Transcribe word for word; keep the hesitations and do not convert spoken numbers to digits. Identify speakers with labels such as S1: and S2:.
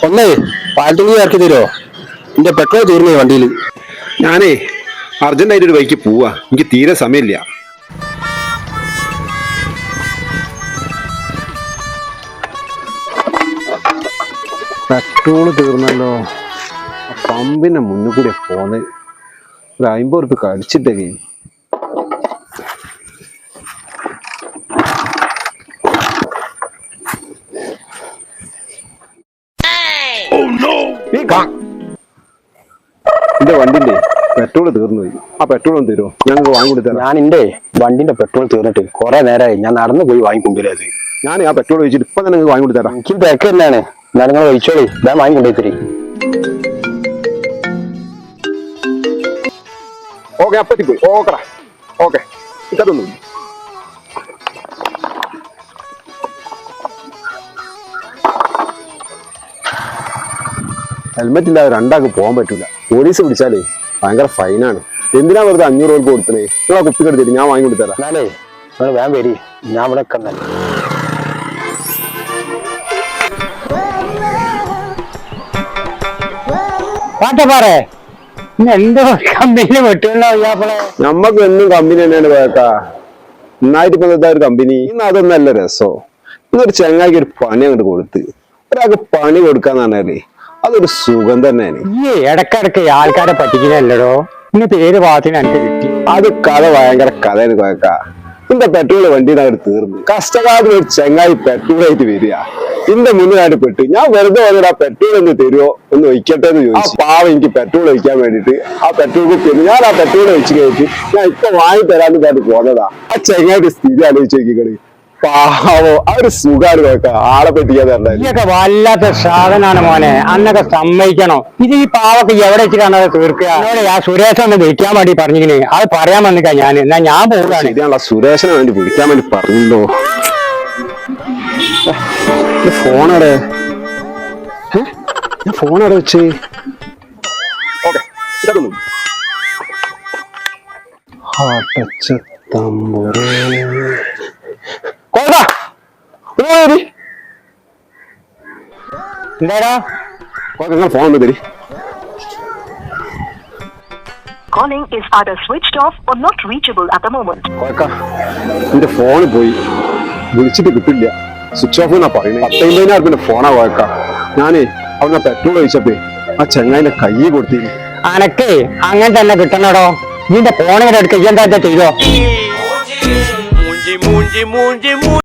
S1: ഒന്നേ പാലത്തുണി ഇറക്കി തരുമോ? എന്റെ പെട്രോൾ തീർന്നേ വണ്ടിയിൽ.
S2: ഞാനേ അർജന്റായിട്ട് ഒരു ബൈക്ക് പോവാ, എനിക്ക് തീരെ സമയമില്ല. പെട്രോള് തീർന്നല്ലോ. പമ്പിന്റെ മുന്നിൽ കൂടെ പോന്ന് ഒരു അമ്പത് ഉറുപ്പിക കടിച്ചിട്ടേ. എന്റെ വണ്ടിന്റെ പെട്രോൾ തീർന്നു പോയി. ആ പെട്രോൾ ഒന്ന് തരുമോ? ഞങ്ങൾക്ക് വാങ്ങിക്കൊടുത്തരാം.
S1: ഞാൻ എന്റെ വണ്ടിന്റെ പെട്രോൾ തീർന്നിട്ട് കുറെ നേരമായി. ഞാൻ നടന്നു പോയി വാങ്ങിക്കൊണ്ടുവരാത്.
S2: ഞാൻ ആ പെട്രോൾ ഒഴിച്ചിട്ട് ഇപ്പൊ തന്നെ വാങ്ങിക്കൊടുത്തരാം.
S1: എനിക്ക് തിരക്ക് തന്നെയാണ്. എന്നാലും നിങ്ങൾ ഒഴിച്ചോളി, ഞാൻ വാങ്ങിക്കൊണ്ടേ തരി.
S2: ഓക്കെ, അപ്പത്തിപ്പോയി. ഓക്കെടാ, ഓക്കെ. ഇതൊന്നും ഹെൽമെറ്റ് ഇല്ലാതെ രണ്ടാൾക്ക് പോകാൻ പറ്റൂല. പോലീസ് പിടിച്ചാലേ ഭയങ്കര ഫൈനാണ്. എന്തിനാ വെറുതെ അഞ്ഞൂറ് രൂപ കൊടുത്തേ? നിങ്ങൾ ആ കുപ്പിക്ക് എടുത്തിട്ട് ഞാൻ വാങ്ങി കൊടുത്തരാം.
S1: എന്നാലേ നിങ്ങൾ വേഗം വരി, ഞാൻ ഇവിടെ നിൽക്കുന്നല്ലേ. പാട്ടപ്പാറേ എന്തോ കമ്പനി വെട്ടുണ്ടോ?
S2: നമ്മക്ക് എന്നും കമ്പനി തന്നെയാണ് പോയേക്കാ. നന്നായിട്ട് ഇപ്പൊ ഒരു കമ്പനി. ഇന്ന് അതൊന്നല്ല രസോ. ഇന്നൊരു ചങ്ങായിക്ക് ഒരു പണി അങ്ങോട്ട് കൊടുത്ത് ഒരാൾക്ക് പണി കൊടുക്കാന്ന് പറഞ്ഞാലേ അതൊരു സുഖം തന്നെയാണ്.
S1: ഈ ഇടക്കിടക്ക് ആൾക്കാരെ പറ്റിക്കുന്നല്ലോ. ഇന്നത്തെ ഏത് ഭാഗത്തിന് എനിക്ക് കിട്ടി?
S2: അത് കഥ ഭയങ്കര കഥയാണ് പോയേക്കാ. ഇന്റെ പെട്രോൾ വണ്ടിയുടെ അവിടെ തീർന്നു. കഷ്ടകാലം ഒരു ചങ്ങായി പെട്രോൾ ആയിട്ട് വരിക ഇന്റെ മുന്നിലായിട്ട് പെട്ട്. ഞാൻ വെറുതെ വന്നിട്ട് ആ പെട്രോൾ ഒന്ന് തരുമോ, ഒന്ന് ഒഴിക്കട്ടെ എന്ന് ചോദിച്ചു. പാവം എനിക്ക് പെട്രോൾ ഒഴിക്കാൻ വേണ്ടിട്ട് ആ പെട്രോൾ കുത്തി ഞാൻ ആ പെട്രോൾ ഒഴിച്ച് കഴിച്ച് ഞാൻ ഇപ്പൊ വാങ്ങി തരാന്ന് പറഞ്ഞിട്ട് പോന്നതാ. ആ ചങ്ങായിട്ട് സ്ഥിതി ആലോചിച്ച് നോക്കിക്കളി. പാവോ, ആ ഒരു സുഖാണ് നോക്ക. ആളെ പറ്റിക്കാതെ
S1: ഇതൊക്കെ വല്ലാത്ത സാധനമാണ് മോനെ. അന്നൊക്കെ സമ്മതിക്കണം. ഇത് ഈ പാവൊക്കെ എവിടെ വെച്ചിട്ടാണ് അത് തീർക്കുക? ആ സുരേഷ് ഒന്ന് വിളിക്കാൻ വേണ്ടി പറഞ്ഞിങ്ങനെ അത് പറയാൻ വന്നിക്കാ ഞാൻ. എന്നാ ഞാൻ പോകാണ്.
S2: ശരിയാണല്ലോ, സുരേഷിനെ വേണ്ടി വിളിക്കാൻ വേണ്ടി പറഞ്ഞല്ലോ. ഫോണടെ ഫോണടെ വെച്ച്
S1: എന്താടാ
S2: ഫോൺ ഒന്ന് തരി.
S3: Calling is either switched off or not reachable at the moment.
S2: എന്റെ ഫോണ് പോയി, വിളിച്ചിട്ട് കിട്ടില്ല. സ്വിച്ച് ഓഫ് എന്നാ പറയുന്നത്. പത്തൊമ്പതിനായിരം രൂപ ഫോണാ പോയേക്കാം. ഞാനേ അവിടെ പെട്രോൾ ഒഴിച്ചപ്പേ ആ ചെങ്ങായിന്റെ കൈ കൊടുത്തിരുന്നു.
S1: അനക്കേ അങ്ങനെ തന്നെ കിട്ടണടോ. നിന്റെ ഫോണിങ്ങനെ എടുക്കുക എന്താ ചെയ്തോ?